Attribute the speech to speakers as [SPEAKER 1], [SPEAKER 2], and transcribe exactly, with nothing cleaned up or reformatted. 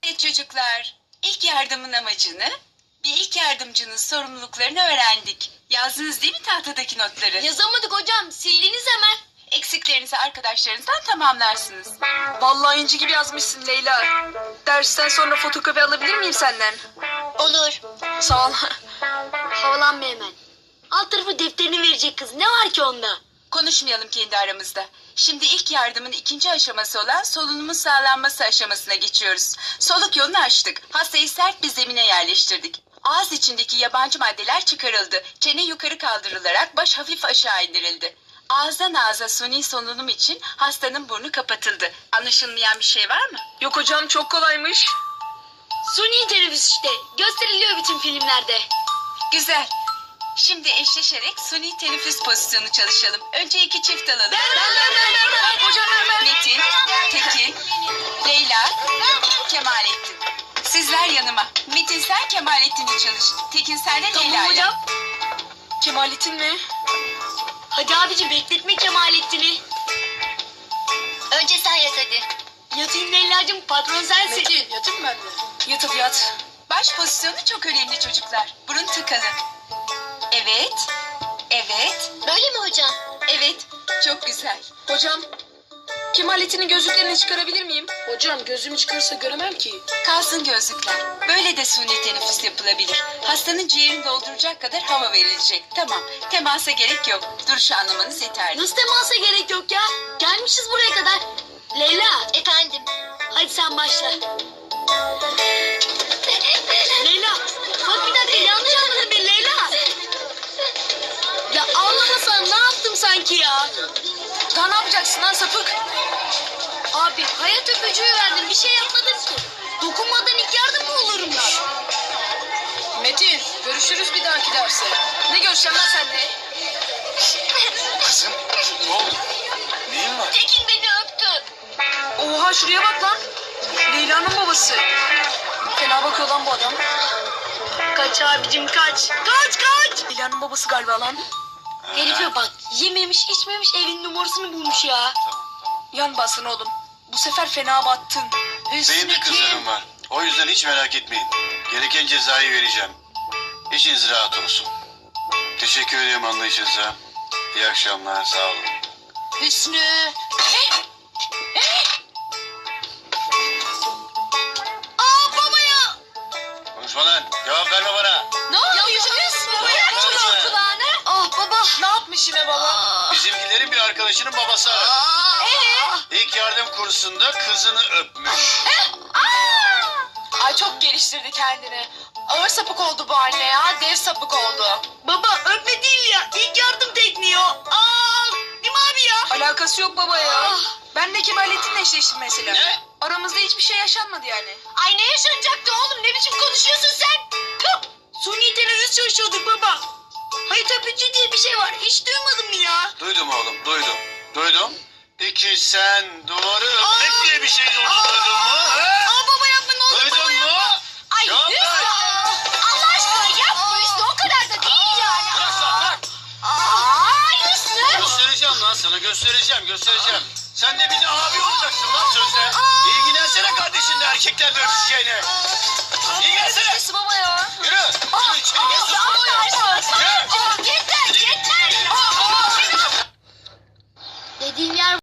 [SPEAKER 1] Evet çocuklar, ilk yardımın amacını, bir ilk yardımcının sorumluluklarını öğrendik. Yazdınız değil mi tahtadaki notları?
[SPEAKER 2] Yazamadık hocam. Sildiniz hemen.
[SPEAKER 1] Eksiklerinizi arkadaşlarınızdan tamamlarsınız.
[SPEAKER 3] Vallahi inci gibi yazmışsın Leyla. Dersten sonra fotokopi alabilir miyim senden?
[SPEAKER 2] Olur.
[SPEAKER 3] Sağ ol.
[SPEAKER 2] Havalanma hemen. Alt tarafı defterini verecek kız. Ne var ki onda?
[SPEAKER 1] Konuşmayalım kendi aramızda. Şimdi ilk yardımın ikinci aşaması olan solunumun sağlanması aşamasına geçiyoruz. Soluk yolunu açtık. Hastayı sert bir zemine yerleştirdik. Ağız içindeki yabancı maddeler çıkarıldı. Çene yukarı kaldırılarak baş hafif aşağı indirildi. Ağızdan ağza suni solunum için hastanın burnu kapatıldı. Anlaşılmayan bir şey var mı?
[SPEAKER 3] Yok hocam, çok kolaymış.
[SPEAKER 2] Suni teneffüs işte. Gösteriliyor bütün filmlerde.
[SPEAKER 1] Güzel. Şimdi eşleşerek suni teneffüs pozisyonu çalışalım. Önce iki çift alalım.
[SPEAKER 3] Ben ben ben ben ben. Hocam ben ben.
[SPEAKER 1] Metin, Tekin, Leyla, Kemalettin. Sizler yanıma. Metin sen Kemalettin'i çalış. Tekin sen de
[SPEAKER 2] Tamam
[SPEAKER 1] Leyla'yla.
[SPEAKER 2] hocam.
[SPEAKER 3] Kemalettin mi?
[SPEAKER 2] Hadi abicim bekletme Kemalettin'i.
[SPEAKER 4] Önce sen yat hadi.
[SPEAKER 2] Yatayım Leyla'cığım, patron sensin.
[SPEAKER 3] Metin, yatayım ben de. Yat hadi yat.
[SPEAKER 1] Baş pozisyonu çok önemli çocuklar. Burun tıkalı. Evet, evet,
[SPEAKER 4] Böyle mi hocam?
[SPEAKER 1] evet. Çok güzel.
[SPEAKER 3] Hocam, Kemalettin'in gözlüklerini çıkarabilir miyim? Hocam, gözümü çıkarsa göremem ki.
[SPEAKER 1] Kalsın gözlükler. Böyle de suni teneffüs yapılabilir. Hastanın ciğerini dolduracak kadar hava verilecek. Tamam, temasa gerek yok. Duruşu anlamanız yeterli.
[SPEAKER 2] Nasıl temasa gerek yok ya? Gelmişiz buraya kadar. Leyla,
[SPEAKER 4] Efendim.
[SPEAKER 2] hadi sen başla. Leyla, bak bir dakika, yanlış anladın beni Leyla. Ya ağlamasan ne yaptım sanki ya?
[SPEAKER 3] Daha ne yapacaksın lan sapık?
[SPEAKER 2] Abi hayat öpücüğü verdim, bir şey yapmadım ki. Dokunmadan ilk yardım mı olurmuş?
[SPEAKER 3] Metin, görüşürüz bir dahaki derse. Ne görüşeceğim lan seninle?
[SPEAKER 5] Kızım ne oldu? Neyin var?
[SPEAKER 4] Tekin beni öptü.
[SPEAKER 3] Oha, şuraya bak lan. Leyla'nın babası. Fena bakıyor lan bu adam.
[SPEAKER 2] Kaç abicim kaç. Kaç kaç.
[SPEAKER 3] Leyla'nın babası galiba lan.
[SPEAKER 2] Herife bak, yememiş içmemiş evin numarasını bulmuş ya.
[SPEAKER 3] Yan basın oğlum. Bu sefer fena battın.
[SPEAKER 5] Benim de kızlarım var. O yüzden hiç merak etmeyin. Gereken cezayı vereceğim. İçiniz rahat olsun. Teşekkür ediyorum anlayışınıza. İyi akşamlar, sağ olun.
[SPEAKER 2] Hüsnü. Aa baba ya.
[SPEAKER 5] Konuşma lan, cevap verme bana.
[SPEAKER 2] Ne yapıyorsun Hüsnü? Bırak
[SPEAKER 5] Konuşma.
[SPEAKER 2] çocuğun kulağını. Ah baba.
[SPEAKER 3] Ne yapmış yine baba?
[SPEAKER 5] Bizimkilerin bir arkadaşının babası aradı.
[SPEAKER 2] Ee?
[SPEAKER 5] İlk yardım kursunda kızını öpmüş.
[SPEAKER 3] Ay çok geliştirdi kendini. Ağır sapık oldu bu anne ya. Dev sapık oldu.
[SPEAKER 2] Baba öpme değil ya. İlk yardım tekniği o. Aa, değil mi abi ya?
[SPEAKER 3] Alakası yok baba ya.
[SPEAKER 2] Ah.
[SPEAKER 3] Ben de Kemalettin'le eşleştim mesela.
[SPEAKER 5] Ne?
[SPEAKER 3] Aramızda hiçbir şey yaşanmadı yani.
[SPEAKER 2] Ay ne yaşanacaktı oğlum? Ne biçim konuşuyorsun sen? Tüh! Suni teneffüs çalışıyorduk baba. Hayat öpücüğü diye bir şey var. Hiç duymadın mı ya?
[SPEAKER 5] Duydum oğlum, duydum. Duydum. Peki sen duvarı
[SPEAKER 2] Aa.
[SPEAKER 5] öpmek diye bir şey olduğunu
[SPEAKER 2] Aa.
[SPEAKER 5] duydun mu? He?
[SPEAKER 2] Aa baba yapma ne olur
[SPEAKER 5] Duydun
[SPEAKER 2] baba
[SPEAKER 5] mu?
[SPEAKER 2] yapma. Ay
[SPEAKER 5] Cevap
[SPEAKER 2] Hüsnü.
[SPEAKER 5] ver.
[SPEAKER 2] Allah aşkına yapma Hüsnü. O kadar da değil yani.
[SPEAKER 5] Bırak lan, bırak.
[SPEAKER 2] Aa Hüsnü.
[SPEAKER 5] Göstereceğim lan sana, göstereceğim, göstereceğim. Sen de bir de abi olacaksın lan sözde. İlgilensene kardeşinle erkeklerle öpüşeceğine. İlgilensene.
[SPEAKER 2] Hüsnü baba ya.
[SPEAKER 5] Yürü. Yürü içeri gel.
[SPEAKER 2] Ya Allah aşkına.
[SPEAKER 5] Yürü.
[SPEAKER 2] Yeter yeter. Dediğim yer